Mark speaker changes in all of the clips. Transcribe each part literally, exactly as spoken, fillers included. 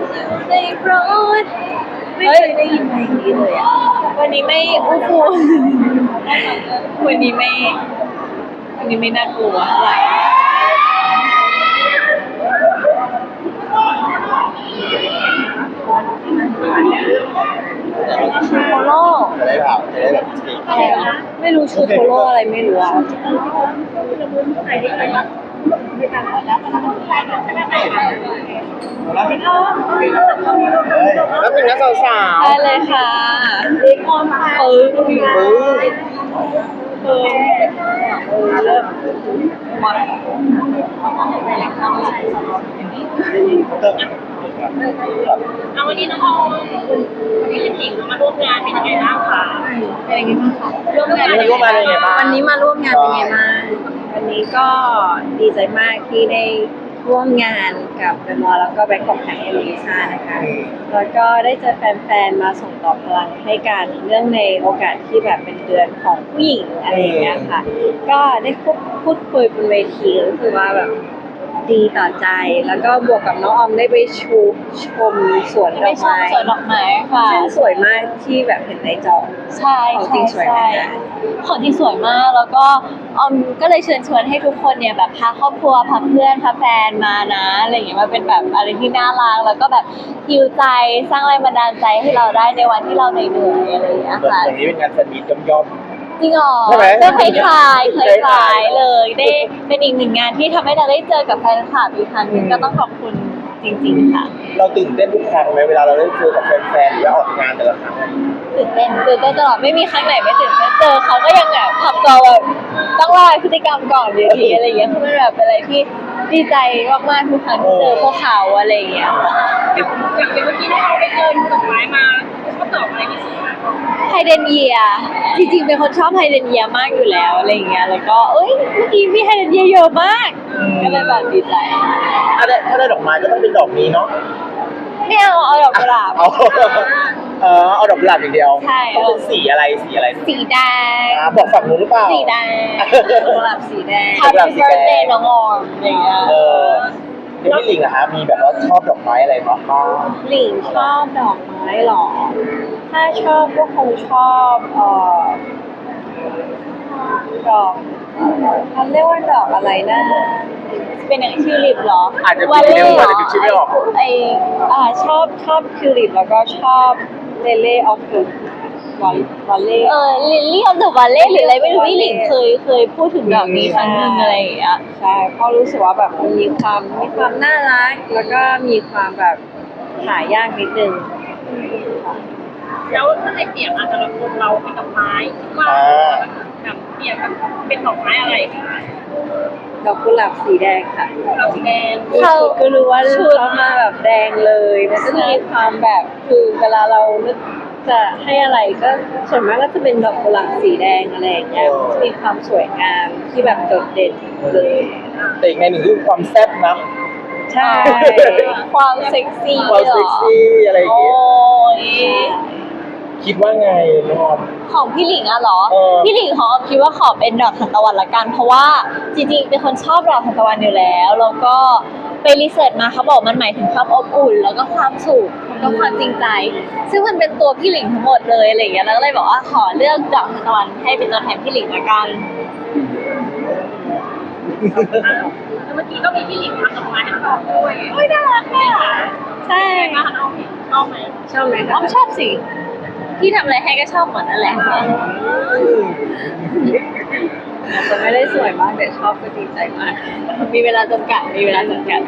Speaker 1: ในรถไม่เคยได้ยินเพลงนี้เลยอ่ะวันนี้ไม่อู้ฟูวันนี้ไม่วันนี้ไม่น่ากลัวเท่าไหร่ชูโคโร่
Speaker 2: จะได้แบบจะได้แบบ
Speaker 1: อะไรนะไม่รู้ชูโคโร่อะไรไม่รู้อ่ะ
Speaker 2: แล้วเป็นนักสาว
Speaker 1: ได้เลยค่ะเออเออเออเริ่มมา
Speaker 3: เอาวันนี้น้องออมวันนี้ลิปสิงมาร่วมงานเป็นยังไงบ้างคะ
Speaker 1: เป็นยังไงบ้างคะร่วมงาน
Speaker 2: ร่วมมาเป็นยังไงบ้าง
Speaker 1: วันนี้มาร่วมงานเป็นยังไงบ้างวันนี้ก็ดีใจมากที่ได้ร่วมงานกับเดอะมอลล์แล้วก็แบงก์ของแข่งเอลิซ่านะคะแล้วก็ได้เจอแฟนๆมาส่งต่อพลังให้กันเรื่องในโอกาสที่แบบเป็นเดือนของผู้หญิงอะไรอย่างเงี้ยค่ะก็ได้พูดคุยบนเวทีรู้สึกว่าแบบดีต่อใจแล้วก็บวกกับน้องออมได้ไปชูชมสวนดอกไม้
Speaker 3: สวนดอกไม้ค่ะ
Speaker 1: ซึ่งสวยมากที่แบบเห็นในจอ
Speaker 3: ใช่
Speaker 1: ของจริงสวยมาก
Speaker 3: ของจริงสวยมากแล้วก็ออมก็เลยเชิญชวนให้ทุกคนเนี่ยแบบพาครอบครัวพาเพื่อนพาแฟนมานะอะไรอย่างเงี้ยมาเป็นแบบอะไรที่น่ารักแล้วก็แบบฮิวใจสร้างแรงบันดาลใจให้เราได้ในวันที่เราเหนื่อยๆอะไรอย่างเงี้ยค่ะ
Speaker 2: วันนี้เป็นงานสนิทย่อม
Speaker 3: จริงเหรอก็คล้ายๆคล้ายๆเลยได้เป็นอีกหนึ่งงานที่ทำให้เราได้เจอกับแฟนคลับอีกครั้งนึงก็ต้องขอบคุณจริงๆค่ะ
Speaker 2: เราตื่นเต้นทุกครั้งไหมเวลาเราได้เจอกับแฟนๆหรือว่าออกงานแต่ละครั้ง
Speaker 3: ตื่นเต้นตื่นเต้นตลอดไม่มีครั้งไหนไม่ตื่นเต้นเจอเขาก็ยังแบบทำตัวแบบต้องรอพฤติกรรมก่อนอยู่ดีอะไรอย่างเงี้ยคือมันแบบเป็นอะไรที่ดีใจมากๆทุกครั้งที่เจอพวกเขาอะไรอย่างเงี้ยอย่างเมื่อกี้ที่เราไปเจอดอกไม้มาเขาตอบอะไรที่สุดไฮเดรนเยียจริงๆเป็นคนชอบไฮเดรนเยียมากอยู่แล้วอะไรอย่างเงี้ยแล้วก็เอ้ยเมื่อกี้มีไฮเดรนเยียเยอะมากก็เลยแบบดีใจ
Speaker 2: ถ้าได้ถ้าได้ดอกไม้ก็ต้องเป็นดอกนี้เนาะ
Speaker 3: ไม่เอาเอาดอกกุหลาบ
Speaker 2: เอาเออเอาดอกกุหลาบอย่างเดียว
Speaker 3: ใช่
Speaker 2: ต้องเป็นสีอะไรสีอะไร
Speaker 3: สีแดง
Speaker 2: บอกฝั่งนู้นหรือเปล่า
Speaker 3: สีแดง
Speaker 1: กุหลาบสีแดง
Speaker 3: Happy birthday น้องออมอย่างเงี้ย
Speaker 2: เออพี่หลิงอะฮะมีแบบว่าชอบดอกไม้อะไรบ้าง
Speaker 1: หลิงชอบดอกไม้หรอถ้าชอบก็คงชอบเอ่อดอกเขาเรียกว่าดอกอะไรนะ
Speaker 3: เป็นอย่างชื่อลิปเหรอ
Speaker 2: อาจจะเป็นเรื่องอาจจะดูชื่อไม่ออก
Speaker 1: ไออ่าชอบชอบทิวลิปแล้วก็ชอบเลเล่ออฟเดอะวันวันเล่
Speaker 3: เออลิลลี่ออฟเดอะวันเล่หรืออะไรไม่รู้พี่หลิงเคยเคยพูดถึงดอกนี้ครั้งนึงอะไรอย่างเงี้ย
Speaker 1: ใช่เพราะรู้สึกว่าแบบมันมีความมีความน่ารักแล้วก็มีความแบบหายากนิดนึง
Speaker 3: แล้วถ้าในเปรียบอาจจะเราเราเป็นดอกไม้ว่าแบบเปรียบกับเป็นดอกไม้อะไรคะ
Speaker 1: ดอกกุหลาบสีแดงค่ะ
Speaker 3: ดอกแดง
Speaker 1: เขาก็รู้ว่าชุดมาแบบแดงเลยมันก็มีความแบบคือเวลาเรานึกจะให้อะไรก็ส่วนมากก็จะเป็นดอกกุหลาบสีแดงอะไรอย่างเงี้ยมีความสวยงามที่แบบโดดเด่นเลย
Speaker 2: แต่อีกในหนึ่งคือความแซ่บนะ
Speaker 1: ใช่
Speaker 3: ความเซ็กซี่
Speaker 2: ความเซ็กซี่อะไรอย่างเงี้ยคิดว่าไงน้องออม
Speaker 3: ของพี่หลิงอะเหรอพี่หลิงของออมคิดว่าขอเป็นดอกทานตะวันละกันเพราะว่าจริงๆเป็นคนชอบดอกทานตะวันอยู่แล้วแล้วก็ไปรีเสิร์ชมาเขาบอกมันหมายถึงความอบอุ่นแล้วก็ความสุขแล้วก็ความจริงใจซึ่งมันเป็นตัวพี่หลิงทั้งหมดเลยอะไรอย่างเงี้ยแล้วก็เลยบอกว่าขอเลือกดอกทานตะวันให้เป็นตัวแทนพี่หลิงละกันแล้วเมื่อกี้ก็มีพี่หลิงทำดอกไม้ให้น้องด้วยโอ้ยน่ารักอ่ะใช่น้องชอบไหม
Speaker 1: ชอบไหม
Speaker 3: น้องชอบสิที่ทำอะไรให้ก็ชอบหมดนั่นแหละ
Speaker 1: จะไม่ได้สวยมากแต่ชอบก็ดีใจมากมีเวลาจำกัดมีเวลาจำกัด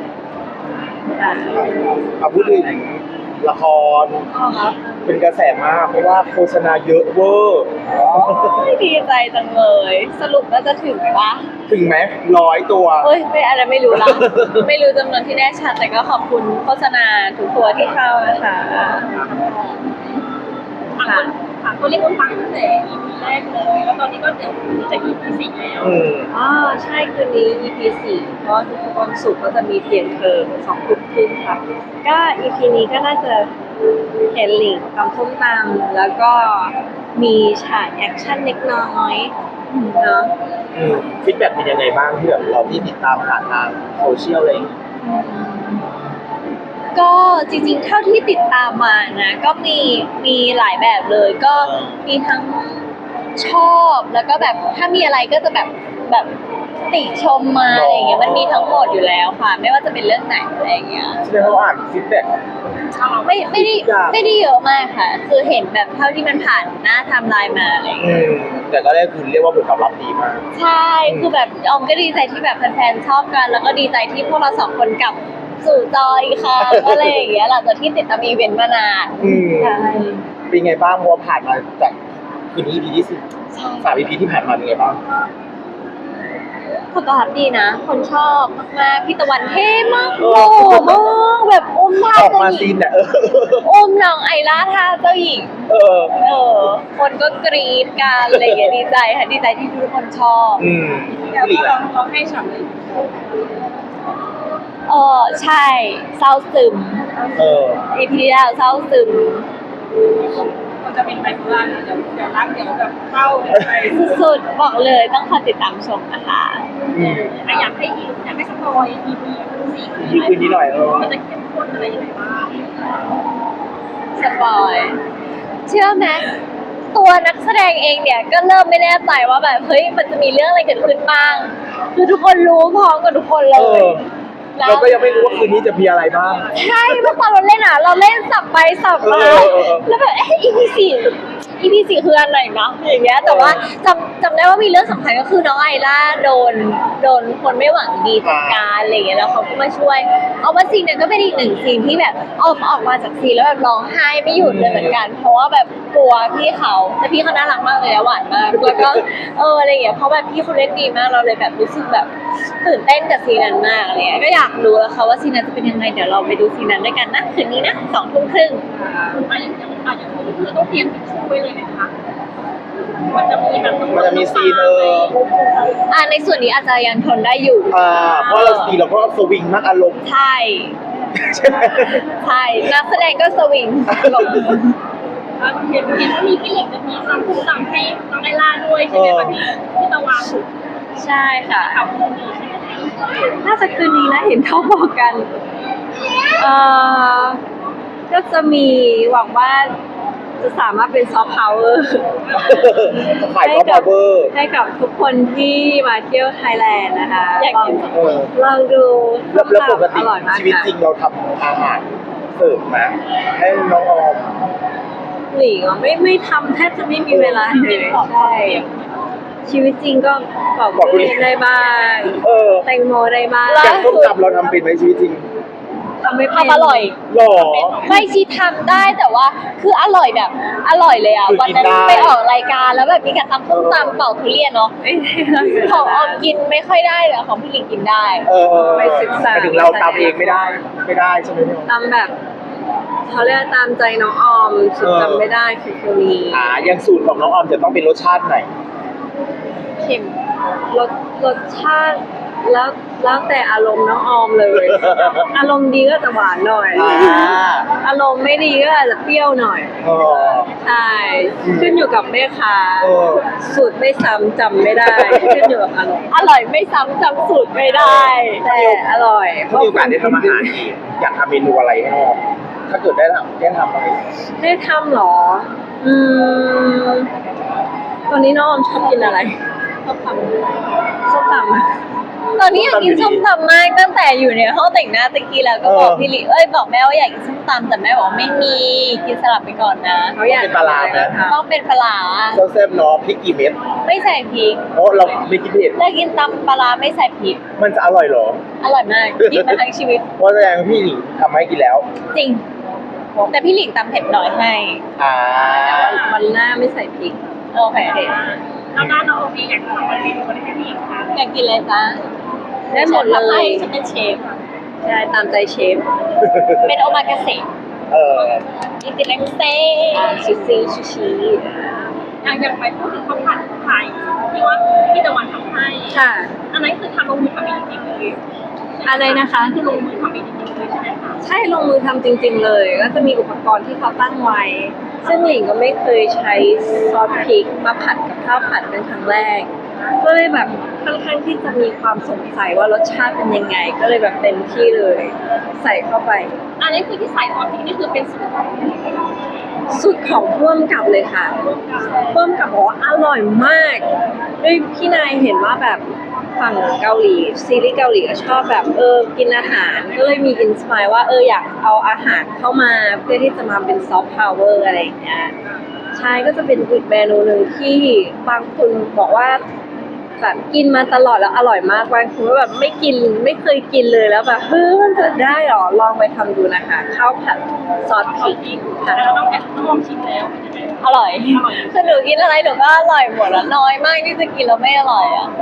Speaker 2: เอาพูดถึงละครเป็นกระแสมากเพราะว่าโฆษณาเยอะเวอร์
Speaker 1: ดีใจจังเลยสรุปว่าจะถึงปะ
Speaker 2: ถึงไหมร้อยตัว
Speaker 1: เฮ้ยไม่อะไรไม่รู้ละไม่รู้จำนวนที่แน่ชัดแต่ก็ขอบคุณโฆษณาทุกตัวที่เข้านะคะ
Speaker 3: ค่ะค่ะตัวนี้คุณฟังตั้งแต่ อี พี แรกเลยแล้วตอนนี้ก็เดี๋ยวจะ อี พี สี่แล้ว
Speaker 1: อ๋อใช่คืนนี้ อี พี สี่เพราะทุกวันศุกร์ก็จะมีเปลี่ยนเทอมสองทุ่มครึ่งค่ะก็ อี พี นี้ก็น่าจะเห็นหลิงทำส้มตำแล้วก็มีฉากแอคชั่นเล็กน้อยเนาะ
Speaker 2: ฟีดแบ็กเป็นยังไงบ้างที่แบบเราที่ติดตามผ่านทางโซเชียลเลย
Speaker 3: ก็จริงๆเท่าที่ติดตามมานะก็มีมีหลายแบบเลยก็มีทั้งชอบแล้วก็แบบถ้ามีอะไรก็จะแบบแบบติชมมาอะไรอย่างเงี้ยมันมีทั้งหมดอยู่แล้วค่ะ ไม่ว่าจะเป็นเรื่องไหนอะไรอย่างเงี้ย
Speaker 2: แสดงว่าอ่านฟีดแบ็ก
Speaker 3: ไม่ไม่ได้ไม่ได้เยอะมากค่ะ คือเห็นแบบเท่าที่มันผ่านหน้าไทม์ไลน์มาอะไรอย่าง
Speaker 2: อื
Speaker 3: เงี้ย
Speaker 2: มแต่ก็ได้คือเรียกว่าผลตอบรับดีมาก
Speaker 3: ใช่ คือแบบออมก็ดีใจที่แบบแฟนๆชอบกัน แล้วก็ดีใจที่พวกเราสองคนกลับสู่จออีกค่ะ อะไรอย่างเงี้ยหลังจากที่ติดตามอีเวนต์มานาน
Speaker 2: อืม
Speaker 3: ใช่
Speaker 2: เป็นไงบ้างเพราะว่าผ่านมาจากคืนนี้ อี พี ที่สิบ
Speaker 3: ใช่
Speaker 2: สาม อี พี ที่ผ่านมาเป็นไงบ้าง
Speaker 3: ผลตอบรับดีนะ คนชอบมากๆพี่ตะวันเท่มาก
Speaker 2: เอ
Speaker 3: โอ้
Speaker 2: อ
Speaker 3: มากแบบอุ้มท่า
Speaker 2: ออก
Speaker 3: เจ้า
Speaker 2: มา
Speaker 3: ห
Speaker 2: ซี
Speaker 3: ญิ
Speaker 2: น
Speaker 3: ง
Speaker 2: เนี่ยเออ
Speaker 3: อุ้มน้องไอล่าท่าเจ้าหญิง
Speaker 2: เออ
Speaker 3: เออ คนก็กรี๊ดกันอะไรอย่างเงี้ยดีใจค่ะดีใจที่ทุกคนชอบ
Speaker 2: อืม
Speaker 1: แล้ว
Speaker 2: พี่หลิง
Speaker 1: ก็
Speaker 2: อะ
Speaker 1: เราให้ฉ่ำเลย
Speaker 3: เออใช่เศร้าซึม
Speaker 2: เออ
Speaker 3: อีพีที่แล้วเศร้าซึม
Speaker 1: มันจะเป็นไบโพล่าเดี๋ยวเดี๋ยวรักเดี๋ยวแบบเข้าไป
Speaker 3: สุดๆบอกเลยต้องคอยติดตามชมนะคะ
Speaker 2: อืม
Speaker 1: อยากให้อยากให้สปอย อี พี สี่
Speaker 2: อี พี คืนนี้หน่อยเออ
Speaker 1: มันจะเข้มข้นอะไรยังไงบ้าง
Speaker 3: สปอยเชื่อไหมตัวนักแสดงเองเนี่ยก็เริ่มไม่แน่ใจว่าแบบเฮ้ยมันจะมีเรื่องอะไรเกิดขึ้นบ้าง คือทุกคนรู้พร้อมกับทุกคนเล
Speaker 2: เอย อ เราก็ยังไม่รู้ว่าคืนนี้จะมีอะไรบ้าง
Speaker 3: ใช่เมื่อตอนเราเล่นอ่ะ เราเล่นสับไปสับมา
Speaker 2: เออเออเออ
Speaker 3: แล้วแบบเอ๊ะ อี พี สี่ อี พี สี่คืออันไหนนะอย่างเงี้ยแต่ว่าจำจำได้ว่ามีเรื่องสำคัญก็คือน้องไอล่าโดนโดนคนไม่หวังดีจัดการอะไรอย่างเงี้ยแล้วเขาก็มาช่วย เอาว่าซีนเนี่ยก็เป็นอีกหนึ่งซีนที่แบบออกออกมาจากซีนแล้วแบบร้องไห้ไม่หยุดเลยเหมือนกัน เพราะว่าแบบกลัวพี่เขาแต่พี่เขาน่ารักมากเลยนะหวานมากแล้วก็เอออะไรอย่างเงี้ยเพราะแบบพี่เขาเล่นดีมากเราเลยแบบรู้สึกแบบตื่นเต้นกับซีนนั้นมากอะไรเงี้ยก็อยากรู้แล้วค่ะว่าซีนนั้นจะเป็นยังไงเดี๋ยวเราไปดูซีนนั้นด้วยกันนะคืนนี้นะสองทุ่มครึ่ง
Speaker 1: อ่ะอย่างอย่างอ่ะอย่างนี้คือต้องเตรียมทิชชู่ไว้เลยนะคะมันจะมีแบบ
Speaker 2: มันจะมีซีนเออ
Speaker 3: อ่าในส่วนนี้อาจจะยังทนได้อยู่
Speaker 2: อ่า เพราะเราซีนเราก็สวิงมากอารมณ์
Speaker 3: ใช่
Speaker 2: ใช่ไหม
Speaker 3: ใช่นักแสดงก็สวิงลง
Speaker 1: อ่ะเห็นเห็นว่ามีพี่หลิงจะมีซ้ำคู่ซ้ำให้น้องไอล่าด้วยใช่ไหมคะพี่พี่ตะวัน
Speaker 3: ใช่ค่ะ
Speaker 1: ข่าวคู่นี้ใช่ไหม
Speaker 3: น่าจะคืนนี้นะเห็นเขาบอกกัน เอ่อ ก็จะมีหวังว่าจะสามารถเป็นซอฟต์พาวเวอร์
Speaker 2: ขายซอฟต์พาวเวอร์
Speaker 3: ให้กับทุกคนที่มาเที่ยวไทยแลนด์นะคะ
Speaker 1: อยากกิน
Speaker 2: เออ
Speaker 3: ลองดู
Speaker 2: แล้วแล้วปกติ
Speaker 3: อร่อยมาก
Speaker 2: ชีวิตจริง
Speaker 3: ค่ะ
Speaker 2: เราทำอาหารเสิร์ฟนะให้น้องออม
Speaker 3: หลิงอ่ะไม่ไม่ทำแทบจะไม่มีเวลาเลยใช่ชีวิตจริงก็ปอก
Speaker 2: ปอกทุ
Speaker 3: ทุ
Speaker 2: เรียน
Speaker 3: เรียนได้บ้าง
Speaker 2: เออ
Speaker 3: แตงโมได้บ้าง
Speaker 2: แกงส้มตำเราทำเป็นไหมชีวิตจริง
Speaker 3: ทำไม่เป็น
Speaker 4: ทำอร่อย
Speaker 2: หรอ
Speaker 4: ไม่ชีทำได้แต่ว่าคืออร่อยแบบอร่อยเลยอ่ะ
Speaker 2: คือ
Speaker 4: วัน
Speaker 2: กิน
Speaker 4: นั้น
Speaker 2: ได้
Speaker 4: ไปออกรายการแล้วแบบมีการตำส้มตำเป่าทุเรียนเนาะ
Speaker 3: ไม่ได้เลย
Speaker 4: ของออมกินไม่ค่อยได้แต่ของพี่หลิงกินได้
Speaker 2: เออ
Speaker 3: ไปศึกษา
Speaker 2: หมยถึงเราตำเองไม่ได้ ไม่ได้ใช่ไหมพี่ออม
Speaker 3: ตามแบบเขาเรียกว่าตามใจน้องออมสุด
Speaker 2: เออ
Speaker 3: จำไม่ได้คือคนนี้
Speaker 2: อ่าอย่างสูตรของน้องออมจะต้องเป็นรสชาติไหน
Speaker 3: เค็มรสรสชาติแล้วแล้วแต่อารมณ์น้องออมเลย อารมณ์ดีก็จะหวานหน่อย
Speaker 2: อ่า
Speaker 3: อารมณ์ไม่ดีก็อาจจะเปรี้ยวหน่อย
Speaker 2: เออ
Speaker 3: ใช่ขึ้นอยู่กับแม่ค้า
Speaker 2: เออ
Speaker 3: สูตรไม่ซ้ำจำไม่ได้ ขึ้นอยู่กับอารมณ์
Speaker 4: อร่อยไม่ซ้ำจำสูตรไม่ได้
Speaker 3: แต่อร่อย
Speaker 2: ถ้ามีโอกาสได้ทำอาหารอีกอยากทำเมนูอะไรให้น้องออมถ้าเกิดได้ทำได้ทำอะไร
Speaker 3: ได้ทำเหรอ อืมตอนนี้น้องออมชอบกินอะไรชอบทำชอบทำอะ
Speaker 4: ตอนนี้อยากกินส้มตำมากตั้งแต่อยู่ในห้องแต่งหน้าตะกี้แล้วก็บอกพี่หลิเอ้ยบอกแม่ว่าอยากกินส้มตำแต่แม่บอกไม่มีกินสลับไปก่อนนะ
Speaker 3: เขาอยาก
Speaker 2: เป็นปลาร้าไหม
Speaker 3: ทำ
Speaker 4: ต้องเป็นปลาร้า
Speaker 2: แซ่บๆเนาะพริกกี่เม็ด
Speaker 4: ไม่ใส่พริก
Speaker 2: เพราะเราไม่กินเผ็ด
Speaker 4: เลิกกินตำปลาร้าไม่ใส่พริก
Speaker 2: มันจะอร่อยเหรอ
Speaker 4: อร่อยมากกินมาทั้งชีวิต
Speaker 2: เพราะแสดงว่าพี่หลิงทำให้กินแล้ว
Speaker 4: จริง แต่พี่หลิงตำเผ็ดน้อยให้
Speaker 2: อ่า
Speaker 3: วันหน้าไม่ใส่พริก
Speaker 4: โอเค
Speaker 1: แล้วด้านน้องโอฟีอยากทำอะไรเมนูอะไรให้พี่คะ
Speaker 4: อยากกินอะไรจ๊ะ
Speaker 3: ได้หมดเล
Speaker 4: ฉันทำให้
Speaker 3: ย
Speaker 4: ฉันเป็นเชฟ
Speaker 3: ใช่ตามใจเชฟ
Speaker 4: เป็นโอมากาเสะ
Speaker 2: เออ
Speaker 4: อิติเลมเซ่
Speaker 3: ซูชิซูชิ
Speaker 1: อยากอยากไปพูดถึงข้าวผัดไทยที่ว่าพี่ตะวันทำให้
Speaker 3: ค่ะ
Speaker 1: อันนั้นคือทำลงมือทำเองจริงๆเลย
Speaker 3: อะไรนะคะ
Speaker 1: คือลงมือทำเองจริงๆเลยใช่ไหมคะ
Speaker 3: ใช่ลงมือทำจริง ๆ เลย ก็จะมีอุปกรณ์ที่เขาตั้งไว้ ซึ่งหลิงก็ไม่เคยใช้ซอสพริกมาผัดกับข้าวผัดเป็นครั้งแรก ก็เลยแบบ
Speaker 1: ค่อนข้างที่จะมีความสงสัยว่ารสชาติเป็นยังไง ก็เลยแบบเต็มที่เลย ใส่เข้าไป
Speaker 3: อันนี้คือที่ใส่ซอสพริกนี่คือเป็นสูตรของ
Speaker 1: สุดของพ่วงกับเลยค่ะพ่วงกับบอกว่าอร่อยมากด้วยพี่นายเห็นว่าแบบฝั่งเกาหลีซีรีส์เกาหลีก็ชอบแบบเออกินอาหารก็เลยมีอินสปายว่าเอออยากเอาอาหารเข้ามาเพื่อที่จะมาเป็นซอฟต์พาวเวอร์อะไรอย่างเงี้ยใช่ก็จะเป็นอีกเมนูหนึ่งที่บางคนบอกว่าแบบกินมาตลอดแล้วอร่อยมากบางคนก็แบบไม่กินไม่เคยกินเลยแล้วแบบเฮ้ยมันจะได้หรอลองไปทำดูนะคะข้าวผัดซอสพริกค่ะ
Speaker 3: แล้วต้องต้องลองชิมแล้วอร่อยคือหนูกินอะไรหนูก็อร่อยหมดแล้วน้อยมากที่จะกินแล้วไม่อร่อยอ่ะ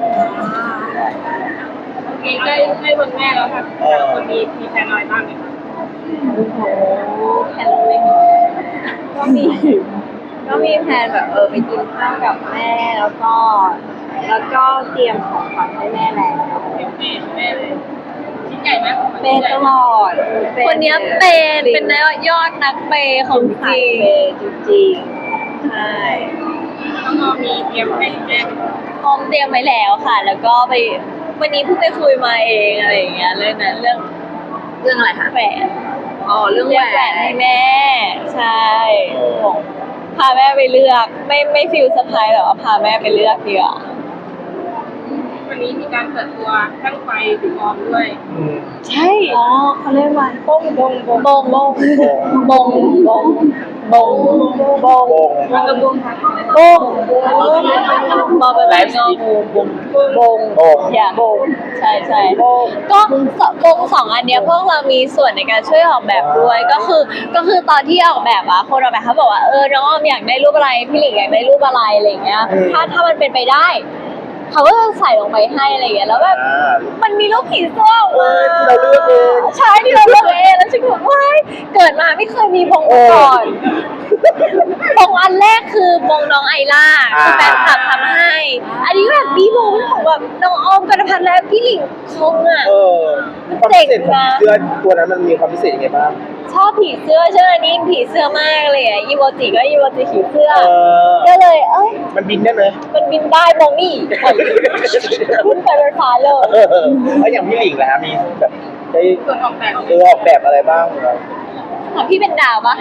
Speaker 3: โอเคใกล้ใกล้วันแม่แล้วค่ะแต่ละคนมีมีแฟนอะไรบ้างไหมคะ
Speaker 1: โอ้โหแพลนเลยก็มี ก็มีแพลนแบบเออไปกินข้าวกับแม่แล้วก็ แล้วก็เตรียมของขวัญให้แม่แล้ว
Speaker 3: เป็นแม่แม่เลยชิ้นใหญ่ไหม
Speaker 1: เป็นตลอด
Speaker 3: คนเนี้ยเป็นเป็นยอดนักเปย์ของจริง
Speaker 1: เป็นจริงๆใช่
Speaker 3: แล้วก็มีเตรียมให้แม่พร้อมเตรียมไว้แล้วค่ะ แล้วก็ไปวันนี้เพิ่งไปคุยมาเองอะไรอย่างเงี้ยเรื่องนั้นเรื่อง
Speaker 1: เรื่องอะไรคะ
Speaker 3: แหวน
Speaker 1: อ๋อเรื่อง
Speaker 3: เลื
Speaker 1: แหว
Speaker 3: อกแหวน
Speaker 1: น
Speaker 3: ให้แม่ ใช่พาแม่ไปเลือก ไม่ไม่ฟิลเซอร์ไพรส์แต่ว่าพาแม่ไปเลือกดีกว่าวันนี้มีการเปิดตัวตั้งไฟถึงออมด้วย
Speaker 2: อืม
Speaker 3: ใช่
Speaker 1: อ๋อเขาเรียกว่าบงบงบง
Speaker 3: บงบงบงบงบงบง
Speaker 2: โป่ง
Speaker 3: มันกระบุงบงบอเป็นไงบงบงบง
Speaker 2: โป่ง
Speaker 3: อย่าบงใช่ใช่ก็บงสองอันเนี้ยพวกเรามีส่วนในการช่วยออกแบบด้วยก็คือก็คือตอนที่ออกแบบอะคนออกแบบเขาบอกว่าเออน้องออมอยากได้รูปอะไรพี่หลิงอยากได้รูปอะไรอะไรอย่างเงี้ยถ้าถ้ามันเป็นไปได้เขาก็จะใส่ลงไปให้อะไรอย่างเงี้ยแล้วแบบ
Speaker 2: อ่า
Speaker 3: มันมีรูปผีเสื้อออก
Speaker 2: เอ
Speaker 3: มา
Speaker 2: อที่เราเลือกเอง
Speaker 3: ใช่ที่เราเลือกเองแล้วฉันก็แบบว้ายเกิดมาไม่เคยมีบงมาก่อนบงอันแรกคือบงน้องไอล่าคือแฟนคลับทำให้ อันนี้แบบบีบงของแบบน้องออมกันพันธ์และพี่หลิงคงอ่ะ
Speaker 2: เออความพิเศษของเสื้อตัวนั้นมันมีความพิเศษยังไงบ้าง
Speaker 3: ชอบผีเสื้อใช่ไหมนี่ผีเสื้อมากเลยอ่ะอีโมจิก็อีโมจิผีเสื้อ
Speaker 2: เออ
Speaker 3: ก็เลยเอ้ย
Speaker 2: มันบินได้ไหม
Speaker 3: มันบินได้บงนี่ขึ้นไปบนฟ้าเลย
Speaker 2: เออแล้วอย่างพี่หลิงล่ะฮะมีแบบได้
Speaker 3: ส่วนออกแบบ
Speaker 2: เออออกแบบอะไรบ้างเหรอ
Speaker 3: ถามพี่เป็นดาวปะ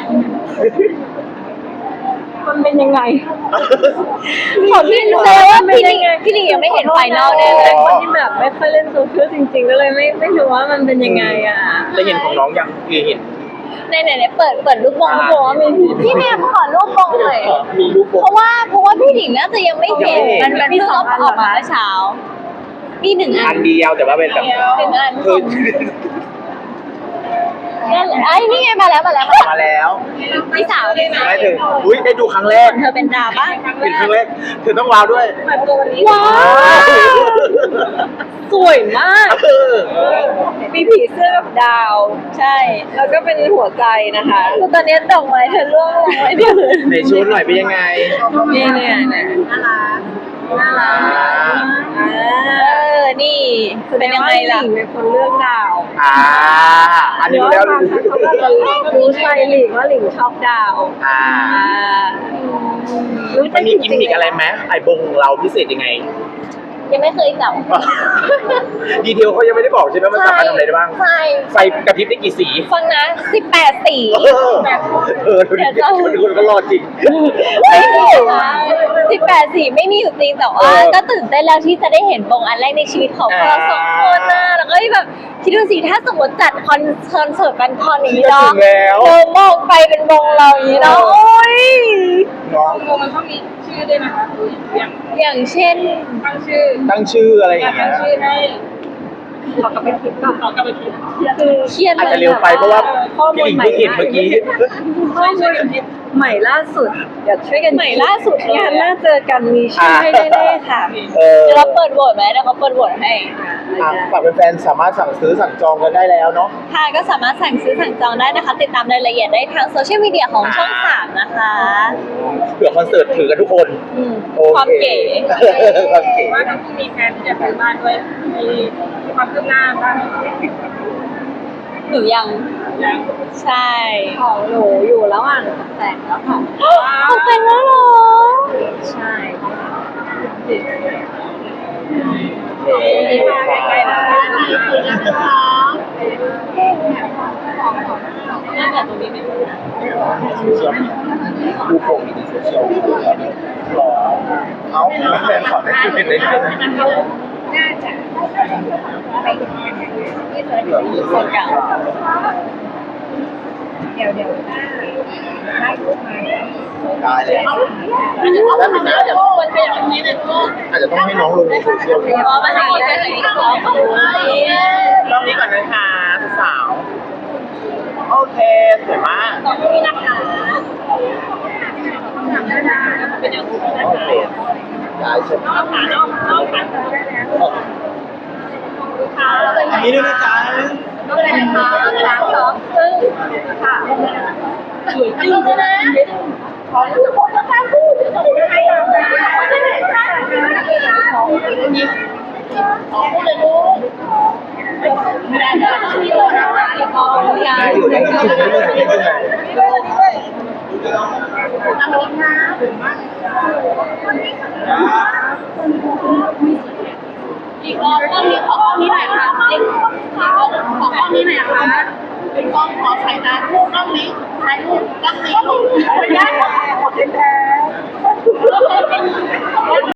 Speaker 1: มันเป็นยังไง
Speaker 3: ของพี่รู้เลยว่าพี่หลิงพี่หลิงยังไม่เห็นไฟนอลแน่เลย
Speaker 1: คนที่แบบไม่ค่อยเล่นโซเชียลจริงๆ ก็เลยไม่ไม่รู้ว่ามันเป็นยังไงอ่ะ
Speaker 2: ได้เห็นของน้องยังคือเห็น
Speaker 3: ในไหนไหนเปิดเปิดลูกบอลลูกบอลว่ามีพี่แม่ขอลูกบอลหน่อย
Speaker 2: มีรูปโป่
Speaker 3: เพ
Speaker 2: ง
Speaker 3: ราะว่าเพราะว่าพี่หลิงน่าจะยังไม่เห็น
Speaker 2: ยังไม่เห็น
Speaker 3: มันมันเพิ่งออกมาเมื่อเช้ามีหนึ่งอั
Speaker 2: อั
Speaker 3: น
Speaker 2: นเดียวแต่ว่าเป็นแบบ
Speaker 3: หนึ่งอัน
Speaker 2: คือ
Speaker 3: นั่นแหละไอ้นี่ไงมาแล้วมาแล้วมา
Speaker 2: มาแล้ว
Speaker 3: พี่สาวเลยนะ
Speaker 2: ได้ถึงอุ้ยได้ดูครั้งแรก
Speaker 3: เธอเป็นดาวปะ
Speaker 2: เป็นครั้งแรกเธอต้องว้าวด้วย
Speaker 3: ว้าว
Speaker 1: สวยมาก
Speaker 2: เออ
Speaker 1: มีผีเสื้อกับดาว
Speaker 3: ใช่
Speaker 1: แล้วก็เป็นหัวใจนะคะ
Speaker 3: คือตอนนี้ดอกไม้เธอร่วงลงไว้เนี่ย
Speaker 2: ในชุดหน่อยเป็นยังไง
Speaker 1: นี่เนี่ยเนี่ยน่ารักอ่า
Speaker 3: เออนี่เป็นยังไงล่ะ
Speaker 1: หลิงเป็นคนเลือกดาว
Speaker 2: อ่า อันนี้รู้แล้ว
Speaker 1: เขาก็จะรู้ใจหลิงว่าหลิงชอบดาว
Speaker 2: อ่า
Speaker 1: อ่ารู้ใจ
Speaker 2: มันมีกิมมิกอะไรไหมไอ้บงของเราพิเศษยังไง
Speaker 3: ยังไม่เคยจับ
Speaker 2: ดีเทลเขายังไม่ได้บอกใช่ไหมมันสามารถทำอะไรได้บ้าง
Speaker 3: ใช่
Speaker 2: ไฟกระพริบได้กี่สี
Speaker 3: ฟังนะสิบแปดสี
Speaker 2: เออเออดูดิคนคนก็รอจริง
Speaker 3: ไม่มีนะสิบแปดสีไม่มีอยู่จริงแต่ว่า
Speaker 2: เออ
Speaker 3: ก็ตื่นเต้นแล้วที่จะได้เห็นบงอันแรกในชีวิตของพวกเราสองคนนะแล้วก็แบบคิดดูสิถ้าสมมติจัดคอนคอนเสิร์ตกันคอนอย่างนี้
Speaker 2: ก็
Speaker 3: เนาะ
Speaker 2: ถึงแล้ว
Speaker 3: เดินมองไปเป็นบงเราอย่างนี้เนาะโอ้ย
Speaker 2: เนาะ
Speaker 5: วงมันต้องมีชื่อด้วยนะคะอย่าง
Speaker 3: อย่างเช่น
Speaker 5: ตั้งชื่อ
Speaker 2: ตั้งชื่ออะไรอ
Speaker 5: อยา
Speaker 2: ย่าก ง
Speaker 5: ตั้
Speaker 2: เงี้
Speaker 5: ง
Speaker 2: ย
Speaker 5: ชื่อให้
Speaker 1: ขอกลับไปคิดก่อน
Speaker 5: ขอกลับไปคิด
Speaker 1: คือ
Speaker 3: เครียด
Speaker 2: อาจ
Speaker 3: เล
Speaker 2: จะ
Speaker 3: ย
Speaker 2: เร็วไปเพราะว่า
Speaker 1: ข้อมู
Speaker 2: พี่ห
Speaker 1: ล
Speaker 2: ลิง
Speaker 1: ใหม่
Speaker 2: เพิ่งเห็นเมื่อกี้
Speaker 1: ข้อมูลใหม่ล่าสุดเดี๋ยวช่วยกัน
Speaker 3: ใหม่ล่าสุดเลย
Speaker 1: งานหน้าเจอกันมีชื่อให้แน่ๆค่ะ
Speaker 2: เออ
Speaker 3: เดี๋ยวเราเปิดโหวตไหมเดี๋ยวเขาเปิดโหวตให้
Speaker 2: อ่ะฝากแฟนๆสามารถสั่งซื้อสั่งจองกันได้แล้วเนาะ
Speaker 3: ค่ะก็สามารถสั่งซื้อสั่งจองได้นะคะ ติดตามรายละเอียดได้ทางโซเชียลมีเดียของช่องสามนะคะ
Speaker 2: เผื่อคอนเสิร์ตถือกันทุกคน
Speaker 3: อืม
Speaker 2: โอ
Speaker 3: ความ
Speaker 2: เค
Speaker 3: เก๋
Speaker 2: ความเก๋
Speaker 5: ว่าทั้งคู่มีแฟนที่จะซื้อบ้านด้วยมีความคืบหน้าบ้าง
Speaker 3: หนูยัง
Speaker 5: ยัง
Speaker 3: ใช่
Speaker 1: ของหนูอยู่ระหว่างตกแต่งแล้วค่ะ
Speaker 3: ตกแต่งแล้วเหรอ
Speaker 1: ใช่
Speaker 2: เค
Speaker 5: น่าจะตรงนี้เป็น
Speaker 2: โซเชียลดูโปรมีในโซเชียลรอเอาแฟนขอได้คุยกันได้ไหม
Speaker 5: น่าจะไปถึงที่เจอที่โซนเก่าเดี๋ยวเดี๋ยวได้รูปมา
Speaker 2: ได้เลยแล้วถึงนะอาจจะอาจจะต้องให้น้องลงในโซเชียล
Speaker 3: เพราะมันให้คนไปไหนก็ขอขอบคุณ
Speaker 2: รอบนี้ก่อนนะคะสาวโอเคสวยมาก
Speaker 5: ตอนนี้นะคะเป็นอย่างนี้นะ
Speaker 2: โอ
Speaker 5: คะ
Speaker 2: เคได้ใช่ไหม
Speaker 5: เอาขาเอาเอาขาขา
Speaker 2: อันนี้ด้วยนะจ๊ะ
Speaker 5: ก็เลยนะคะสามสองซึ่งค่ะสวยจริงนะขอรู้สึกว่าจะพูดจะพูดให้เราได้ไม่ได้ค่ะของนี้ขอพูดเลยลูกไม่ได้ที่เราทำอะไรขออยา
Speaker 2: ได้อยู่ได้อยู่ได้อยู่ได้อยู่
Speaker 5: ตั้งรถนะถึงมากอีกรอบกล้องนี้ขอกล้องนี้หน่อยค่ะอีกขอกล้องขอกล้องนี้หน่อยนะคะเป็นกล้องขอสายตาลูกกล้องนี้ถ่ายรูปกล้องนี้ลูกไม่ได้